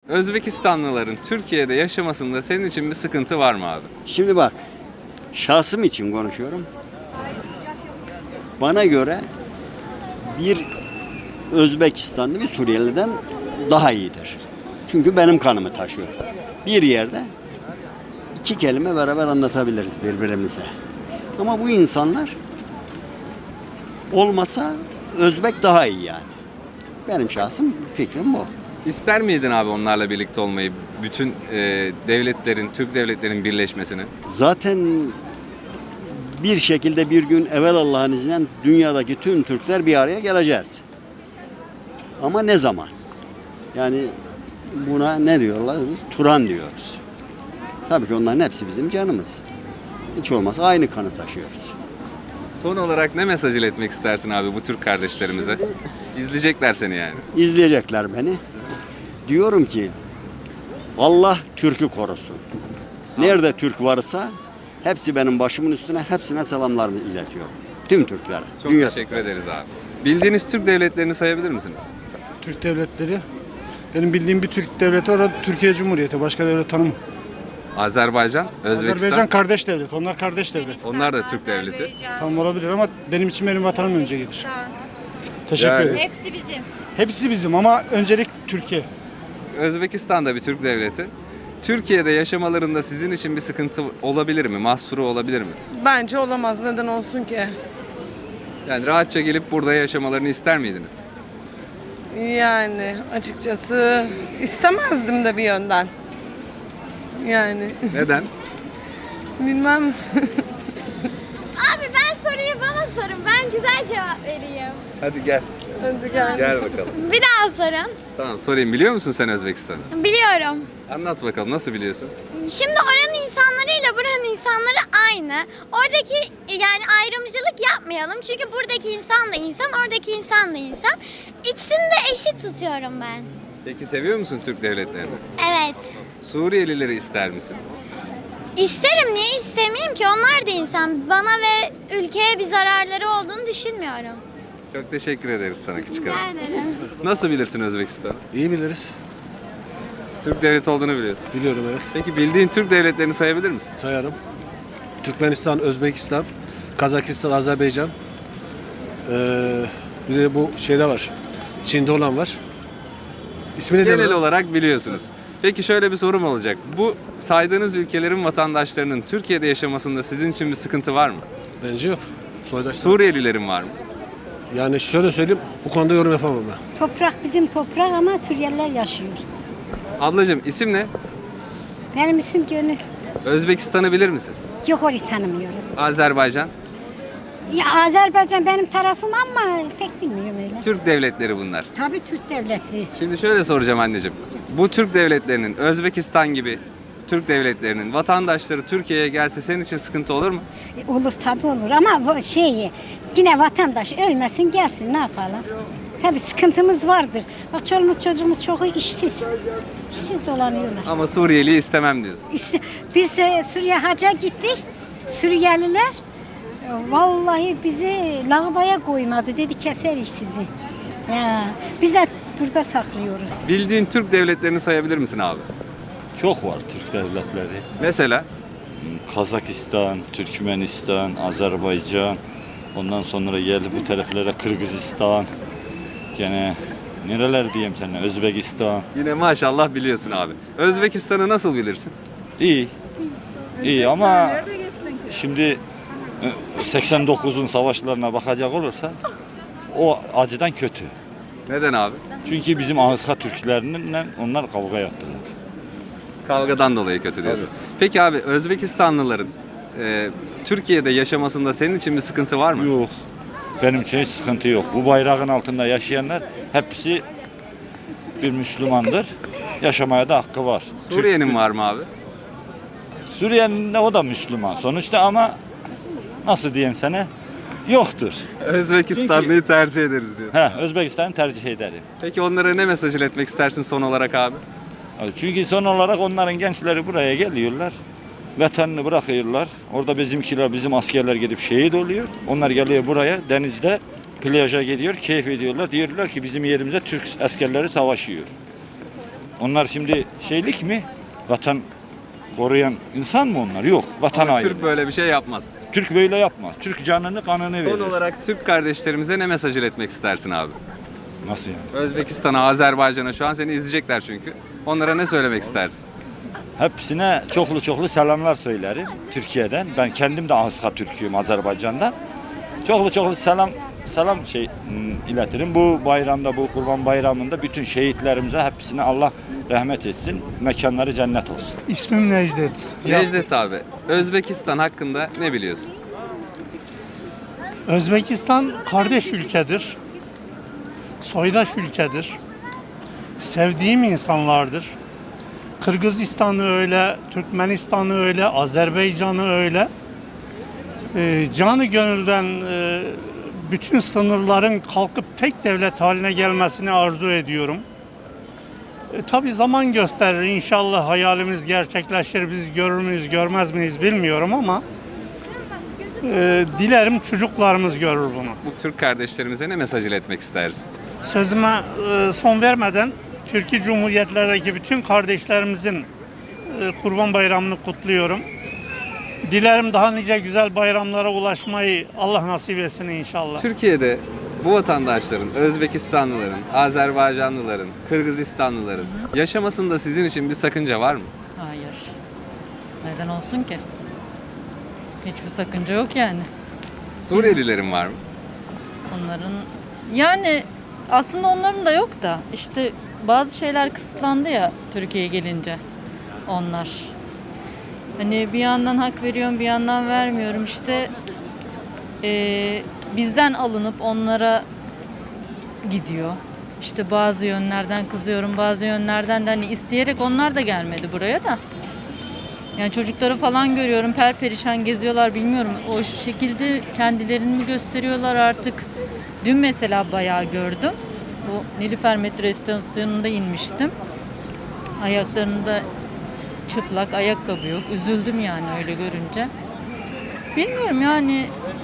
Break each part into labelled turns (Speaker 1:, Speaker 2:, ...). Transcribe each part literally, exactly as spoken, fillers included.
Speaker 1: Özbekistanlıların Türkiye'de yaşamasında senin için bir sıkıntı var mı abi?
Speaker 2: Şimdi bak, şahsım için konuşuyorum. Bana göre bir Özbekistanlı bir Suriyeli'den daha iyidir. Çünkü benim kanımı taşıyor. Bir yerde iki kelime beraber anlatabiliriz birbirimize. Ama bu insanlar olmasa Özbek daha iyi yani. Benim şahsım fikrim bu.
Speaker 1: İster miydin abi onlarla birlikte olmayı, bütün e, devletlerin, Türk devletlerinin birleşmesini?
Speaker 2: Zaten bir şekilde bir gün evvel Allah'ın izniyle dünyadaki tüm Türkler bir araya geleceğiz. Ama ne zaman? Yani buna ne diyorlar? Biz Turan diyoruz. Tabii ki onların hepsi bizim canımız. Hiç olmazsa aynı kanı taşıyoruz.
Speaker 1: Son olarak ne mesaj iletmek istersin abi bu Türk kardeşlerimize? İzleyecekler seni yani.
Speaker 2: İzleyecekler beni. Diyorum ki Allah Türk'ü korusun. Nerede Türk varsa hepsi benim başımın üstüne, hepsine selamlarımı iletiyorum. Tüm Türklere.
Speaker 1: Çok
Speaker 2: Dünya-
Speaker 1: teşekkür ederiz abi. Bildiğiniz Türk devletlerini sayabilir misiniz?
Speaker 3: Türk devletleri. Benim bildiğim bir Türk devleti var, o Türkiye Cumhuriyeti. Başka devlet tanımam.
Speaker 1: Azerbaycan, Özbekistan.
Speaker 3: Azerbaycan kardeş devlet. Onlar kardeş devlet.
Speaker 1: Onlar da Türk devleti.
Speaker 3: Tam olabilir ama benim için benim vatanım önce gelir. Teşekkür
Speaker 1: Yani-
Speaker 3: ederim.
Speaker 4: Hepsi bizim.
Speaker 3: Hepsi bizim ama öncelik Türkiye.
Speaker 1: Özbekistan da bir Türk devleti. Türkiye'de yaşamalarında sizin için bir sıkıntı olabilir mi? Mahsuru olabilir mi?
Speaker 5: Bence olamaz. Neden olsun ki?
Speaker 1: Yani rahatça gelip burada yaşamalarını ister miydiniz?
Speaker 5: Yani açıkçası istemezdim de bir yönden. Yani
Speaker 1: Neden?
Speaker 5: bilmem.
Speaker 4: Abi ben soruyu bana sorun. Ben güzel cevap vereyim.
Speaker 1: Hadi gel.
Speaker 5: Hadi gel.
Speaker 1: Gel bakalım.
Speaker 4: Bir daha sorun.
Speaker 1: Tamam sorayım. Biliyor musun sen Özbekistan'ı?
Speaker 4: Biliyorum.
Speaker 1: Anlat bakalım nasıl biliyorsun?
Speaker 4: Şimdi oranın insanlarıyla buranın insanları aynı. Oradaki yani ayrımcılık yapmayalım. Çünkü buradaki insan da insan, oradaki insan da insan. İkisini de eşit tutuyorum ben.
Speaker 1: Peki seviyor musun Türk devletlerini?
Speaker 4: Evet.
Speaker 1: Suriyelileri ister misin?
Speaker 4: İsterim, niye istemeyeyim ki? Onlar da insan. Bana ve ülkeye bir zararları olduğunu düşünmüyorum.
Speaker 1: Çok teşekkür ederiz sana küçük
Speaker 4: Rica
Speaker 1: hanım.
Speaker 4: ederim.
Speaker 1: Nasıl bilirsin Özbekistan'ı?
Speaker 6: İyi biliriz.
Speaker 1: Türk devleti olduğunu biliyorsun.
Speaker 6: Biliyorum, evet.
Speaker 1: Peki bildiğin Türk devletlerini sayabilir misin?
Speaker 6: Sayarım. Türkmenistan, Özbekistan, Kazakistan, Azerbaycan. Ee, bir de bu şeyde var. Çin'de olan var. İsmi ne
Speaker 1: Genel
Speaker 6: diyorlar?
Speaker 1: olarak biliyorsunuz. Peki şöyle bir sorum olacak. Bu saydığınız ülkelerin vatandaşlarının Türkiye'de yaşamasında sizin için bir sıkıntı var mı?
Speaker 6: Bence yok. Soydaşlar.
Speaker 1: Suriyelilerin var mı?
Speaker 6: Yani şöyle söyleyeyim, bu konuda yorum yapamam ben.
Speaker 7: Toprak bizim toprak ama Suriyeliler yaşıyor.
Speaker 1: Ablacığım isim ne?
Speaker 7: Benim isim Gönül.
Speaker 1: Özbekistan'ı bilir misin?
Speaker 7: Yok, orayı tanımıyorum.
Speaker 1: Azerbaycan.
Speaker 7: Ya Azerbaycan benim tarafım ama pek bilmiyorum öyle.
Speaker 1: Türk devletleri bunlar.
Speaker 7: Tabii Türk devletleri.
Speaker 1: Şimdi şöyle soracağım anneciğim. Bu Türk devletlerinin Özbekistan gibi Türk devletlerinin vatandaşları Türkiye'ye gelse senin için sıkıntı olur mu?
Speaker 7: E, olur tabii olur ama bu şeyi yine vatandaş ölmesin gelsin, ne yapalım? Tabii sıkıntımız vardır. Bak çoluğumuz çocuğumuz çoğu işsiz. İşsiz dolanıyorlar.
Speaker 1: Ama Suriyeli'yi istemem diyorsun.
Speaker 7: İşte biz e, Suriye hacca gittik. Suriyeliler e, vallahi bizi lağabaya koymadı. Dedi keseriz sizi. Ya, biz de burada saklıyoruz.
Speaker 1: Bildiğin Türk devletlerini sayabilir misin abi?
Speaker 8: Çok var Türk devletleri.
Speaker 1: Mesela
Speaker 8: Kazakistan, Türkmenistan, Azerbaycan. Ondan sonra geldi bu taraflara Kırgızistan. Gene nereler diyeyim sana, Özbekistan.
Speaker 1: yine maşallah biliyorsun abi. Özbekistan'ı nasıl bilirsin?
Speaker 8: İyi. İyi ama şimdi e, seksen dokuzun savaşlarına bakacak olursa o acıdan kötü.
Speaker 1: Neden abi?
Speaker 8: Çünkü bizim Ağızka Türklerinden onlar kavga yaptılar.
Speaker 1: Kavgadan dolayı kötü diyorsun. Peki abi Özbekistanlıların e, Türkiye'de yaşamasında senin için bir sıkıntı var mı?
Speaker 8: Yok. Benim için hiç sıkıntı yok. Bu bayrağın altında yaşayanlar hepsi bir Müslümandır. Yaşamaya da hakkı var.
Speaker 1: Suriye'nin var mı abi?
Speaker 8: Suriye'nin de o da Müslüman sonuçta ama nasıl diyeyim sana yoktur.
Speaker 1: Özbekistanlıyı tercih ederiz diyorsun.
Speaker 8: He, Özbekistan'ı tercih ederim.
Speaker 1: Peki onlara ne mesaj iletmek istersin son olarak abi?
Speaker 8: Çünkü son olarak onların gençleri buraya geliyorlar. Vatanını bırakıyorlar. Orada bizimkiler, bizim askerler gidip şehit oluyor. Onlar geliyor buraya denizde plaja gidiyor, keyif ediyorlar. Diyorlar ki bizim yerimize Türk askerleri savaşıyor. Onlar şimdi şeylik mi? Vatan koruyan insan mı onlar? Yok. Vatan
Speaker 1: Ama
Speaker 8: haini.
Speaker 1: Türk böyle bir şey yapmaz.
Speaker 8: Türk böyle yapmaz. Türk canını kanını verir.
Speaker 1: Son olarak Türk kardeşlerimize ne mesaj iletmek istersin abi?
Speaker 8: Nasıl yani?
Speaker 1: Özbekistan'a, Azerbaycan'a şu an seni izleyecekler çünkü. Onlara ne söylemek istersin?
Speaker 8: Hepsine çoklu çoklu selamlar söylerim Türkiye'den. Ben kendim de Anska Türk'üyüm Azerbaycan'dan. Çoklu çoklu selam selam şey hmm, iletirim. Bu bayramda, bu Kurban Bayramı'nda bütün şehitlerimize hepsine Allah rahmet etsin. Mekanları cennet olsun.
Speaker 3: İsmim Necdet.
Speaker 1: Necdet abi, Özbekistan hakkında ne biliyorsun?
Speaker 3: Özbekistan kardeş ülkedir. Soydaş ülkedir. Sevdiğim insanlardır. Kırgızistan'ı öyle, Türkmenistan'ı öyle, Azerbaycan'ı öyle. Ee, canı gönülden e, bütün sınırların kalkıp tek devlet haline gelmesini arzu ediyorum. E, tabii zaman gösterir. İnşallah hayalimiz gerçekleşir. Biz görür müyüz, görmez miyiz bilmiyorum ama e, dilerim çocuklarımız görür bunu.
Speaker 1: Bu Türk kardeşlerimize ne mesaj iletmek istersin?
Speaker 3: Sözüme e, son vermeden Türkiye Cumhuriyetlerdeki bütün kardeşlerimizin e, Kurban Bayramı'nı kutluyorum. Dilerim daha nice güzel bayramlara ulaşmayı Allah nasip etsin inşallah.
Speaker 1: Türkiye'de bu vatandaşların, Özbekistanlıların, Azerbaycanlıların, Kırgızistanlıların yaşamasında sizin için bir sakınca var mı?
Speaker 9: Hayır. Neden olsun ki? Hiçbir sakınca yok yani.
Speaker 1: Suriyelilerin var mı?
Speaker 9: Onların yani aslında onların da yok da işte bazı şeyler kısıtlandı ya Türkiye'ye gelince onlar. Hani bir yandan hak veriyorum bir yandan vermiyorum işte eee, bizden alınıp onlara gidiyor. İşte bazı yönlerden kızıyorum bazı yönlerden de hani isteyerek onlar da gelmedi buraya da. Yani çocukları falan görüyorum perperişan geziyorlar bilmiyorum o şekilde kendilerini mi gösteriyorlar artık. Dün mesela bayağı gördüm. Bu Nilüfer metro istasyonunda inmiştim. Ayaklarında çıplak ayakkabı yok. Üzüldüm yani öyle görünce. Bilmiyorum yani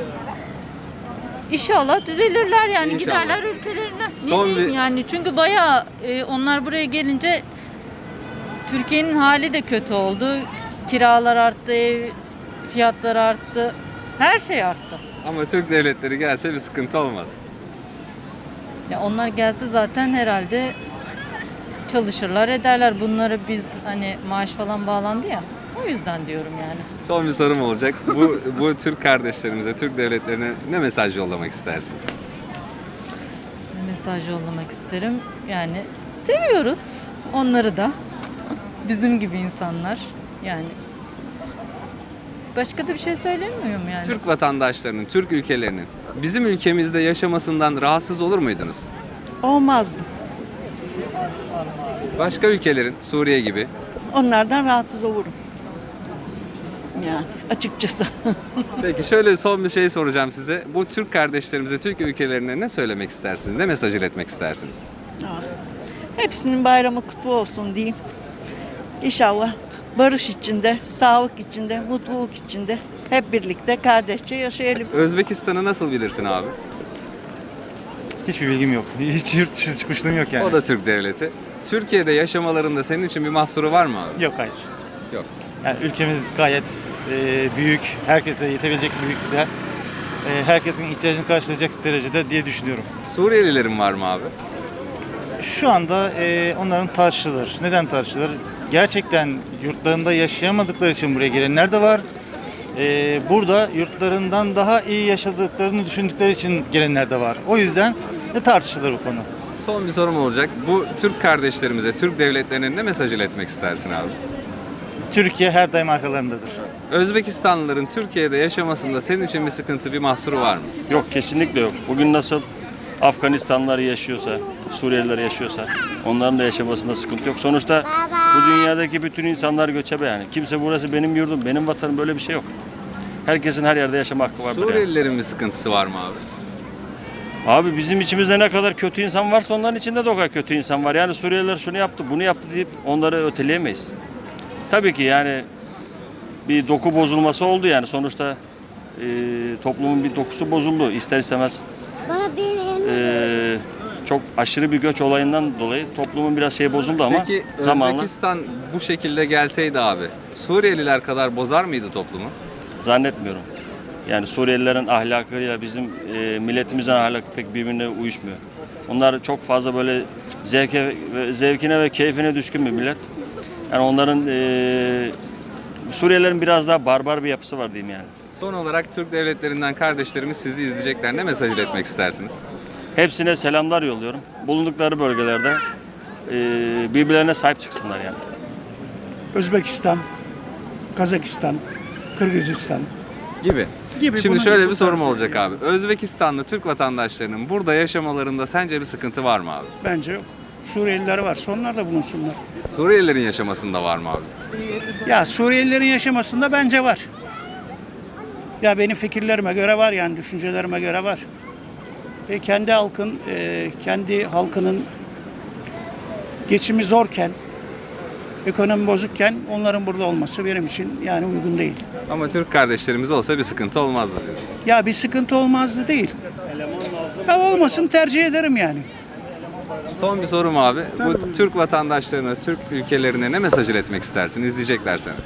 Speaker 9: İnşallah düzelirler yani
Speaker 1: İnşallah.
Speaker 9: giderler ülkelerine. Ne
Speaker 1: Son
Speaker 9: diyeyim
Speaker 1: bir-
Speaker 9: yani çünkü bayağı e, onlar buraya gelince Türkiye'nin hali de kötü oldu. Kiralar arttı, ev fiyatları arttı. Her şey arttı.
Speaker 1: Ama Türk devletleri gelse bir sıkıntı olmaz.
Speaker 9: Ya onlar gelse zaten herhalde çalışırlar ederler. Bunları biz hani maaş falan bağlandı ya. O yüzden diyorum yani.
Speaker 1: Son bir sorum olacak. Bu bu Türk kardeşlerimize, Türk devletlerine ne mesaj yollamak istersiniz?
Speaker 9: Mesaj yollamak isterim. Yani seviyoruz onları da. Bizim gibi insanlar. Yani başka da bir şey söylemiyorum yani.
Speaker 1: Türk vatandaşlarının, Türk ülkelerinin bizim ülkemizde yaşamasından rahatsız olur muydunuz?
Speaker 10: Olmazdım.
Speaker 1: Başka ülkelerin, Suriye gibi.
Speaker 10: Onlardan rahatsız olurum. Yani açıkçası.
Speaker 1: Peki şöyle son bir şey soracağım size. Bu Türk kardeşlerimize, Türk ülkelerine ne söylemek istersiniz? Ne mesaj iletmek istersiniz?
Speaker 10: Hepsinin bayramı kutlu olsun diyeyim. İnşallah barış içinde, sağlık içinde, mutluluk içinde hep birlikte kardeşçe yaşayalım.
Speaker 1: Özbekistan'ı nasıl bilirsin abi?
Speaker 11: Hiçbir bilgim yok. Hiç yurt dışına çıkmışlığım yok yani.
Speaker 1: O da Türk devleti. Türkiye'de yaşamalarında senin için bir mahsuru var mı abi?
Speaker 11: Yok, hayır.
Speaker 1: Yok.
Speaker 11: Yani ülkemiz gayet e, büyük, herkese yetebilecek büyüklükte, e, herkesin ihtiyacını karşılayacak derecede diye düşünüyorum.
Speaker 1: Suriyelilerin var mı abi?
Speaker 11: Şu anda e, onların tartışılır. Neden tartışılır? Gerçekten yurtlarında yaşayamadıkları için buraya gelenler de var. E, burada yurtlarından daha iyi yaşadıklarını düşündükleri için gelenler de var. O yüzden de tartışılır bu konu.
Speaker 1: Son bir sorum olacak. Bu Türk kardeşlerimize, Türk devletlerine ne mesaj iletmek istersin abi?
Speaker 11: Türkiye her daim arkalarındadır.
Speaker 1: Özbekistanlıların Türkiye'de yaşamasında senin için bir sıkıntı, bir mahsuru var mı?
Speaker 12: Yok, kesinlikle yok. Bugün nasıl Afganistanlılar yaşıyorsa, Suriyeliler yaşıyorsa onların da yaşamasında sıkıntı yok. Sonuçta bu dünyadaki bütün insanlar göçebe yani. Kimse burası benim yurdum, benim vatanım böyle bir şey yok. Herkesin her yerde yaşama hakkı vardır yani.
Speaker 1: Suriyelilerin bir sıkıntısı var mı abi?
Speaker 12: Abi bizim içimizde ne kadar kötü insan varsa onların içinde de o kadar kötü insan var. Yani Suriyeliler şunu yaptı, bunu yaptı deyip onları öteleyemeyiz. Tabii ki yani bir doku bozulması oldu yani. Sonuçta e, toplumun bir dokusu bozuldu ister istemez. E, çok aşırı bir göç olayından dolayı toplumun biraz şey bozuldu ama
Speaker 1: Peki
Speaker 12: zamanla
Speaker 1: Özbekistan bu şekilde gelseydi abi, Suriyeliler kadar bozar mıydı toplumu?
Speaker 12: zannetmiyorum. Yani Suriyelilerin ahlakıyla bizim e, milletimizin ahlakı pek birbirine uyuşmuyor. Onlar çok fazla böyle zevke, ve- zevkine ve keyfine düşkün bir millet. Yani onların e, Suriyelilerin biraz daha barbar bir yapısı var diyeyim yani.
Speaker 1: Son olarak Türk devletlerinden kardeşlerimiz sizi izleyecekler. Ne mesaj iletmek istersiniz?
Speaker 12: Hepsine selamlar yolluyorum. Bulundukları bölgelerde e, birbirlerine sahip çıksınlar yani.
Speaker 3: Özbekistan, Kazakistan, Kırgızistan.
Speaker 1: Gibi.
Speaker 3: Gibi.
Speaker 1: Şimdi
Speaker 3: Bunun
Speaker 1: şöyle
Speaker 3: gibi
Speaker 1: bir sorum
Speaker 3: bu tarz
Speaker 1: olacak abi. Özbekistanlı Türk vatandaşlarının burada yaşamalarında sence bir sıkıntı var mı abi?
Speaker 3: Bence yok. Suriyeliler varsa onlar da bulunsunlar.
Speaker 1: Suriyelilerin yaşamasında var mı abi?
Speaker 3: Ya Suriyelilerin yaşamasında bence var. Ya benim fikirlerime göre var yani düşüncelerime göre var. E kendi halkın, e, kendi halkının geçimi zorken, ekonomi bozukken onların burada olması benim için yani uygun değil.
Speaker 1: Ama Türk kardeşlerimiz olsa bir sıkıntı olmazdı diyorsun.
Speaker 3: Ya bir sıkıntı olmazdı değil. Ya olmasın tercih ederim yani.
Speaker 1: Son bir sorum abi. Bu Türk vatandaşlarına, Türk ülkelerine ne mesaj iletmek istersin? İzleyecekler seni.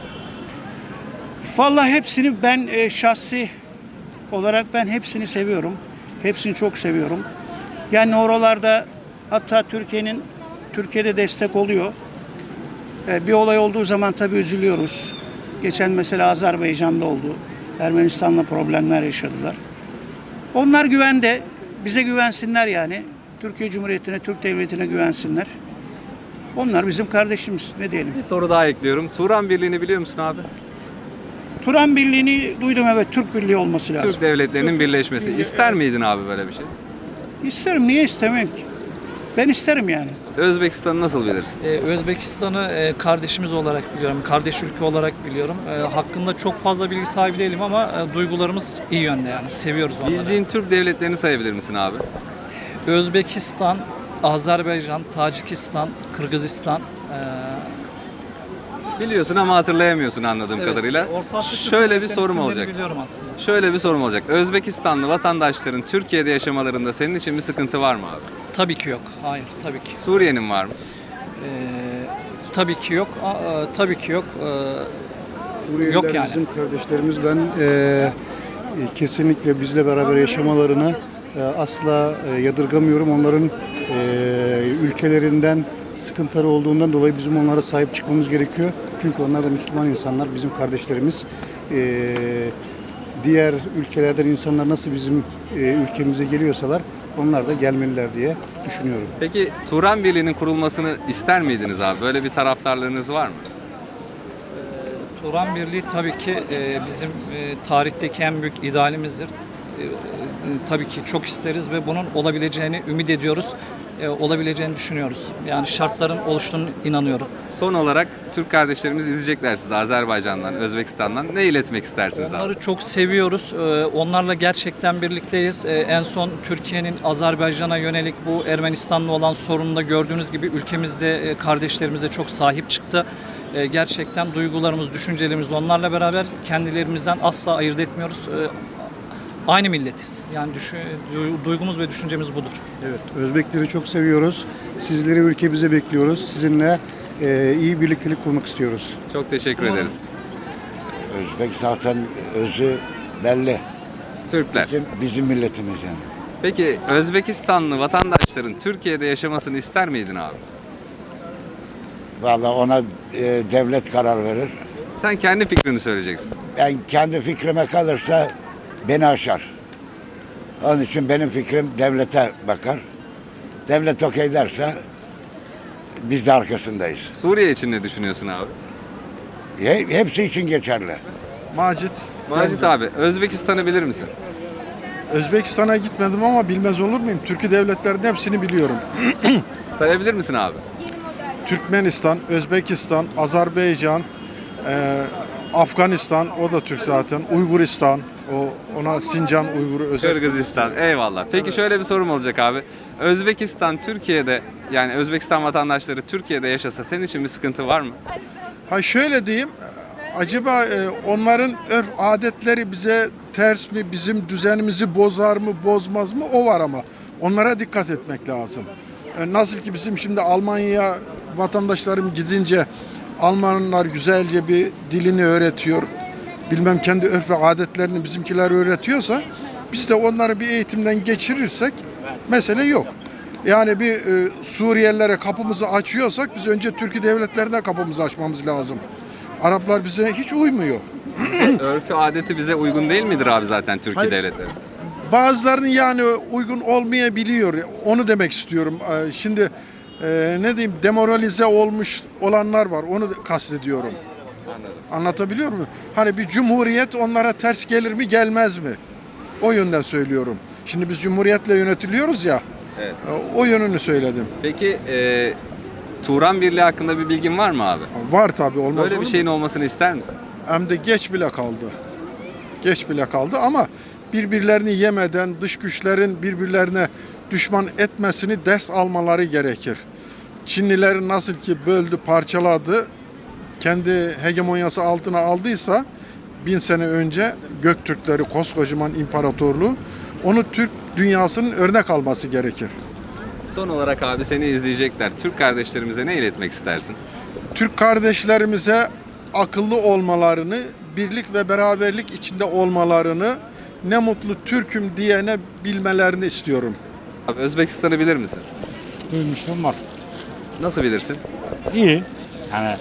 Speaker 3: Vallahi hepsini ben e, şahsi olarak ben hepsini seviyorum. Hepsini çok seviyorum. Yani oralarda hatta Türkiye'nin Türkiye'de destek oluyor. E, bir olay olduğu zaman tabii üzülüyoruz. Geçen mesela Azerbaycan'da oldu. Ermenistan'la problemler yaşadılar. Onlar güvende. Bize güvensinler yani. Türkiye Cumhuriyeti'ne, Türk Devleti'ne güvensinler. Onlar bizim kardeşimiz. Ne diyelim?
Speaker 1: Bir soru daha ekliyorum. Turan Birliği'ni biliyor musun abi?
Speaker 3: Turan Birliği'ni duydum, evet, Türk Birliği olması lazım.
Speaker 1: Türk devletlerinin birleşmesi. İster miydin abi böyle bir şey?
Speaker 3: İsterim, niye istemem ki? Ben isterim yani.
Speaker 1: Özbekistan'ı nasıl bilirsin?
Speaker 13: Ee, Özbekistan'ı e, kardeşimiz olarak biliyorum, kardeş ülke olarak biliyorum. E, hakkında çok fazla bilgi sahibi değilim ama e, duygularımız iyi yönde yani, seviyoruz onları.
Speaker 1: Bildiğin Türk devletlerini sayabilir misin abi?
Speaker 13: Özbekistan, Azerbaycan, Tacikistan, Kırgızistan. e,
Speaker 1: Biliyorsun ama hatırlayamıyorsun anladığım
Speaker 13: evet,
Speaker 1: kadarıyla.
Speaker 13: Orta Afrika
Speaker 1: Şöyle bir
Speaker 13: devletlerinin
Speaker 1: sorum
Speaker 13: isimleri
Speaker 1: olacak.
Speaker 13: Biliyorum aslında.
Speaker 1: Şöyle bir sorum olacak. Özbekistanlı vatandaşların Türkiye'de yaşamalarında senin için bir sıkıntı var mı abi?
Speaker 13: Tabii ki yok. Hayır, tabii ki.
Speaker 1: Suriye'nin var mı?
Speaker 13: E, tabii ki yok. A- e, tabii ki yok. E, yok yani.
Speaker 14: Bizim kardeşlerimiz, ben e, e, kesinlikle bizle beraber yaşamalarını e, asla e, yadırgamıyorum. Onların e, ülkelerinden sıkıntıları olduğundan dolayı bizim onlara sahip çıkmamız gerekiyor. Çünkü onlar da Müslüman insanlar, bizim kardeşlerimiz. E, diğer ülkelerden insanlar nasıl bizim e, ülkemize geliyorsalar onlar da gelmeliler diye düşünüyorum.
Speaker 1: Peki Turan Birliği'nin kurulmasını ister miydiniz abi? Böyle bir taraftarlığınız var mı?
Speaker 13: Turan Birliği tabii ki e, bizim e, tarihteki en büyük idealimizdir. E, e, tabii ki çok isteriz ve bunun olabileceğini ümit ediyoruz. E, olabileceğini düşünüyoruz. Yani şartların oluştuğunu inanıyorum.
Speaker 1: Son olarak Türk kardeşlerimiz izleyecekler sizi Azerbaycan'dan, Özbekistan'dan. Ne iletmek istersiniz abi?
Speaker 13: Onları çok seviyoruz. E, onlarla gerçekten birlikteyiz. E, en son Türkiye'nin Azerbaycan'a yönelik bu Ermenistan'la olan sorununda gördüğünüz gibi ülkemizde e, kardeşlerimize çok sahip çıktı. E, gerçekten duygularımız, düşüncelerimiz onlarla beraber, kendilerimizden asla ayırt etmiyoruz. E, aynı milletiz. Yani düşün, du- duygumuz ve düşüncemiz budur.
Speaker 14: Evet, Özbekleri çok seviyoruz. Sizleri ülkemize bekliyoruz. Sizinle e, iyi birliktelik kurmak istiyoruz.
Speaker 1: Çok teşekkür ederiz.
Speaker 15: Özbek zaten özü belli.
Speaker 1: Türkler.
Speaker 15: Bizim, bizim milletimiz yani.
Speaker 1: Peki Özbekistanlı vatandaşların Türkiye'de yaşamasını ister miydin abi?
Speaker 15: Vallahi ona e, devlet karar verir.
Speaker 1: Sen kendi fikrini söyleyeceksin.
Speaker 15: Ben kendi fikrime kalırsa beni aşar. Onun için benim fikrim devlete bakar. Devlet okey derse biz de arkasındayız.
Speaker 1: Suriye için ne düşünüyorsun abi?
Speaker 15: He- Hepsi için geçerli.
Speaker 16: Macit.
Speaker 1: Macit abi, Özbekistan'ı bilir misin?
Speaker 16: Özbekistan'a gitmedim ama bilmez olur muyum? Türkiye devletlerinin hepsini biliyorum.
Speaker 1: Sayabilir misin abi?
Speaker 16: Türkmenistan, Özbekistan, Azerbaycan, e, Afganistan, o da Türk zaten. Uyguristan, o ona Sincan Uyguru özel.
Speaker 1: Kırgızistan, eyvallah. Peki şöyle bir sorum olacak abi. Özbekistan Türkiye'de, yani Özbekistan vatandaşları Türkiye'de yaşasa senin için bir sıkıntı var mı?
Speaker 16: Ha şöyle diyeyim, acaba e, onların örf adetleri bize ters mi, bizim düzenimizi bozar mı, bozmaz mı, o var ama. Onlara dikkat etmek lazım. E, Nasıl ki bizim şimdi Almanya'ya vatandaşlarım gidince Almanlar güzelce bir dilini öğretiyor. Bilmem kendi örf ve adetlerini bizimkiler öğretiyorsa biz de onları bir eğitimden geçirirsek mesele yok. Yani bir e, Suriyelilere kapımızı açıyorsak biz önce Türkiye devletlerine kapımızı açmamız lazım. Araplar bize hiç uymuyor.
Speaker 1: Örfü adeti bize uygun değil midir abi zaten Türkiye
Speaker 16: Hayır.
Speaker 1: devletleri?
Speaker 16: Bazılarının yani uygun olmayabiliyor. Onu demek istiyorum. Ee, Şimdi e, ne diyeyim demoralize olmuş olanlar var. Onu kastediyorum.
Speaker 1: Anladım.
Speaker 16: Anlatabiliyor muyum? Hani bir cumhuriyet onlara ters gelir mi gelmez mi? O yönden söylüyorum. Şimdi biz cumhuriyetle yönetiliyoruz ya.
Speaker 1: Evet.
Speaker 16: e, O yönünü söyledim.
Speaker 1: Peki e, Turan Birliği hakkında bir bilgin var mı abi?
Speaker 16: Var tabii, olmaz
Speaker 1: Böyle
Speaker 16: olur
Speaker 1: bir
Speaker 16: mu?
Speaker 1: şeyin olmasını ister misin?
Speaker 16: Hem de geç bile kaldı. Geç bile kaldı ama birbirlerini yemeden dış güçlerin birbirlerine düşman etmesini ders almaları gerekir. Çinlileri nasıl ki böldü, parçaladı, kendi hegemonyası altına aldıysa bin sene önce Göktürkleri, koskocaman imparatorluğu, onu Türk dünyasının örnek alması gerekir.
Speaker 1: Son olarak abi seni izleyecekler. Türk kardeşlerimize ne iletmek istersin?
Speaker 16: Türk kardeşlerimize akıllı olmalarını, birlik ve beraberlik içinde olmalarını, ne mutlu Türk'üm diyene bilmelerini istiyorum.
Speaker 1: Abi Özbekistan'ı bilir misin?
Speaker 8: Duymuştum var.
Speaker 1: Nasıl bilirsin?
Speaker 8: İyi. Yani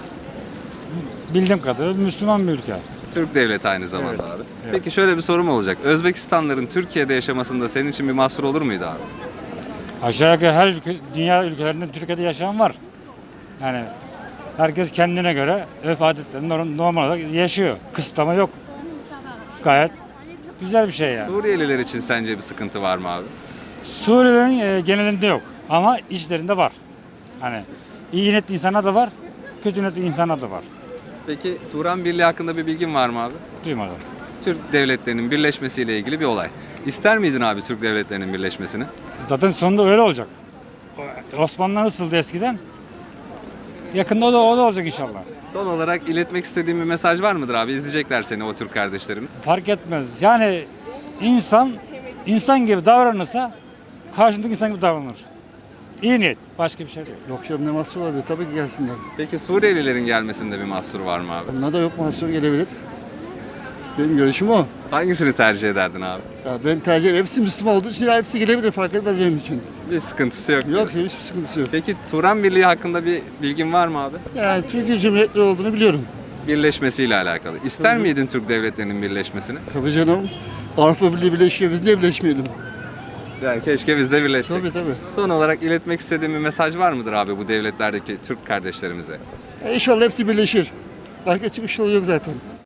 Speaker 8: bildiğim kadarıyla Müslüman bir ülke.
Speaker 1: Türk devleti aynı zamanda
Speaker 8: Evet,
Speaker 1: abi.
Speaker 8: evet.
Speaker 1: Peki şöyle bir sorum olacak. Özbekistanlıların Türkiye'de yaşamasında senin için bir mahsur olur muydu abi?
Speaker 8: Aşağı yukarı her ülke, dünya ülkelerinde Türkiye'de yaşayan var. Yani herkes kendine göre örf adetlerini norm- normal olarak yaşıyor. Kısıtlama yok. Gayet güzel bir şey yani.
Speaker 1: Suriyeliler için sence bir sıkıntı var mı abi?
Speaker 8: Suriye'nin e, genelinde yok ama içlerinde var. Hani iyi niyetli insanlar da var, kötü niyetli insanlar da var.
Speaker 1: Peki Turan Birliği hakkında bir bilgin var mı abi?
Speaker 8: Duymadım.
Speaker 1: Türk devletlerinin birleşmesiyle ilgili bir olay. İster miydin abi Türk devletlerinin birleşmesini?
Speaker 8: Zaten sonunda öyle olacak. O- Osmanlı nasıldı eskiden? Yakında o da, o da olacak inşallah.
Speaker 1: Son olarak iletmek istediğim bir mesaj var mıdır abi? İzleyecekler seni o Türk kardeşlerimiz.
Speaker 8: Fark etmez. Yani insan insan gibi davranırsa karşındaki insan gibi davranır. İyi niyet. Başka bir şey değil.
Speaker 14: Yok canım, ne mahsur var diye tabii ki gelsinler.
Speaker 1: Peki Suriyelilerin gelmesinde bir mahsur var mı abi?
Speaker 14: Bunda da yok, mahsur gelebilir. Benim görüşüm o.
Speaker 1: Hangisini tercih ederdin abi?
Speaker 14: Ya ben tercih ederim. Hepsi Müslüman olduğu için hepsi gelebilir, fark etmez benim için.
Speaker 1: Bir sıkıntısı yok.
Speaker 14: Yok, hiçbir sıkıntısı yok.
Speaker 1: Peki Turan Birliği hakkında bir bilgin var mı abi?
Speaker 14: Yani Türkiye Cumhuriyetleri olduğunu biliyorum.
Speaker 1: Birleşmesiyle alakalı. İster miydin Türk devletlerinin birleşmesini?
Speaker 14: Tabii canım. Avrupa Birliği birleşiyor, biz niye birleşmeyelim?
Speaker 1: Yani keşke biz de birleşsek.
Speaker 14: Tabii tabii.
Speaker 1: Son olarak iletmek istediğim bir mesaj var mıdır abi bu devletlerdeki Türk kardeşlerimize?
Speaker 14: E inşallah hepsi birleşir. Başka çıkış yolu yok zaten.